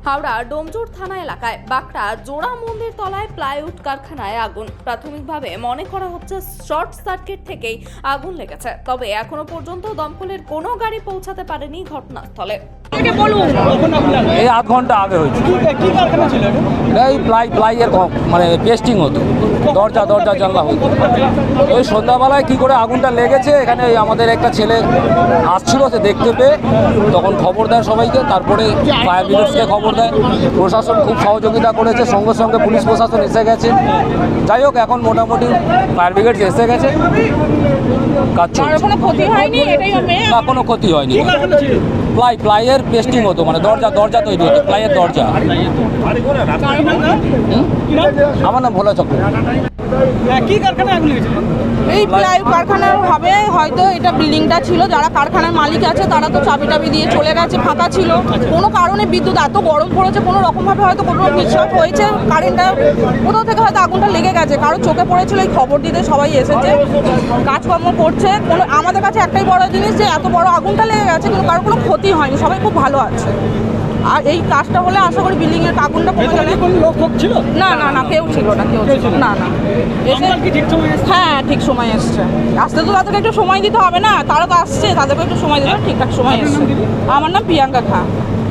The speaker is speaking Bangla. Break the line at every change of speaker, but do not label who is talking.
হাওড়া ডোমজুর থানা এলাকায় বাঁকড়া জোড়া মন্দির তলায় প্লাইউড কারখানায় আগুন। প্রাথমিকভাবে মনে করা হচ্ছে শর্ট সার্কিট থেকেই আগুন লেগেছে, তবে এখনো পর্যন্ত দমকলের কোনো গাড়ি পৌঁছাতে পারেনি ঘটনাস্থলে।
এই আধ ঘন্টা আগে হয়েছে।
কি কারখানা ছিল এটা?
এই প্লাইয়ের মানে পেস্টিং হতো, দরজা জানলা হতো। ওই সন্ধ্যাবেলায় কি করে আগুনটা লেগেছে, এখানে আমাদের একটা ছেলে আসছিল, সে দেখতে পেয়ে তখন খবর দেয় সবাইকে, তারপরে ফায়ার ব্রিগেডকে খবর দেয়। প্রশাসন খুব সহযোগিতা করেছে, সঙ্গে সঙ্গে পুলিশ প্রশাসন এসে গেছে। যাই হোক, এখন মোটামুটি ফায়ার ব্রিগেড এসে গেছে, কাজ চলছে।
কোনো ক্ষতি হয়নি? এটাই
না, কোনো ক্ষতি হয়নি। প্লাইয়ের পেস্টিং হতো, মানে দরজা তৈরি হতো, প্লাইয়ের দরজা। আমার নাম ভোলা চক্রবর্তী।
কি কারখানা আগুন লেগেছে?
এই প্লাই কারখানার হবে হয়তো। এটা বিল্ডিংটা ছিল, যারা কারখানার মালিক আছে তারা তো চাবি দিয়ে চলে গেছে, ফাঁকা ছিল। কোনো কারণে বিদ্যুৎ এত গরম পড়েছে, কোনো রকমভাবে হয়তো কোনো নিঃশ্বাস হয়েছে, কারেন্টটা কোথাও থেকে হয়তো আগুনটা লেগে গেছে। কারো চোখে পড়েছিল, এই খবর দিতে সবাই এসেছে, কাজকর্ম করছে। কোনো আমাদের কাছে একটাই বড় জিনিস যে এত বড় আগুনটা লেগে গেছে, কিন্তু কারো কোনো ক্ষতি হয়নি, সবাই খুব ভালো আছে। আর এই কাজটা হলে আশা করি বিল্ডিং এর আগুনটা কমে যাবে।
কোন লোক ছিল?
না, কেউ ছিল না, না।
কি ঠিক সময় এসেছে?
হ্যাঁ, ঠিক সময় এসছে। আসতে তো তাদেরকে একটু সময় দিতে হবে না, তারা তো আসছে, তাদেরকে একটু সময় দিতে হবে। ঠিকঠাক সময় এসছে। আমার নাম প্রিয়াঙ্কা খা।